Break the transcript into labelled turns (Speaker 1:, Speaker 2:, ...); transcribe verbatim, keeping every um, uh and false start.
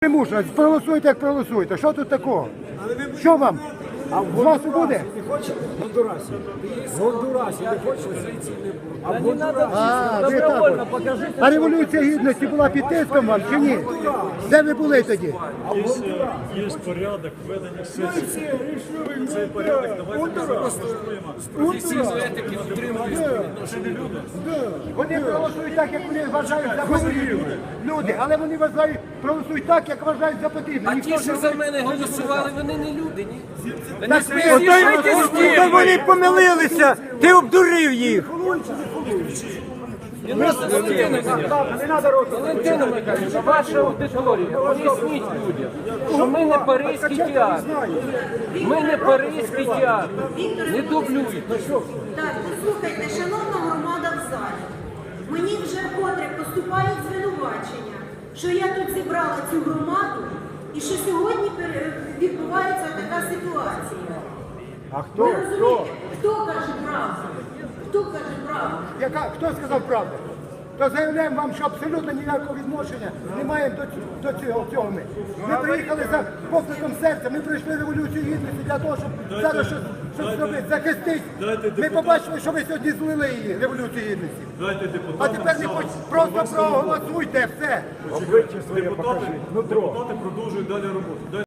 Speaker 1: Не мушу, проголосуйте, як проголосуєте. Що тут такого? Що вам? А в вас буде?
Speaker 2: Не хоче в Гондурасі. В Гондурасі не хоче. А в Гондурасі.
Speaker 1: А, ви так от. А Революція Гідності була під тиском вам чи ні? Де ви були тоді?
Speaker 3: Є, є порядок ведення сесії. Цей порядок давайте ми зараз влаштуємо.
Speaker 2: Професійної етики дотримуються.
Speaker 1: Вони проголосують так, як вони вважають за потрібне. Люди, але вони вважають, проголосують так, як вважають за потрібне.
Speaker 4: А
Speaker 1: Ніхто
Speaker 4: ті,
Speaker 1: ж
Speaker 4: що
Speaker 1: не
Speaker 4: за
Speaker 1: говорить.
Speaker 4: мене голосували, вони не люди, ні? Вони
Speaker 1: Так
Speaker 4: свої
Speaker 1: ви-
Speaker 4: з'їжджайте з
Speaker 1: Ой,
Speaker 4: тим.
Speaker 5: Вони помилилися, ти обдурив їх.
Speaker 4: Не треба Валентина Михайлівна, ваша аудиторія, поясніть людям, що ми не паризький театр. Ми не паризький театр. Не дублюйте.
Speaker 6: Так, послухайте, шановна громада в залі, мені вже вкотре поступають звинувачення, що я тут зібрала цю громаду і що сьогодні пере- відбувається така ситуація.
Speaker 1: А хто?
Speaker 6: Ви
Speaker 1: Хто?
Speaker 6: розумієте, хто каже правду? Хто каже правду?
Speaker 1: Яка, хто сказав правду? То заявляємо вам, що абсолютно ніякого відношення не маємо до, ць- до цього, цього ми. Ми приїхали за покликом серця, ми пройшли Революцію Гідності для того, щоб зараз щось, щось зробити, захистити. Ми побачили, що ви сьогодні злили її, Революцію Гідності.
Speaker 3: Дайте
Speaker 1: А
Speaker 3: депутатам
Speaker 1: тепер не хоч просто проголосуйте, все.
Speaker 3: депутати, депутати продовжують далі роботу.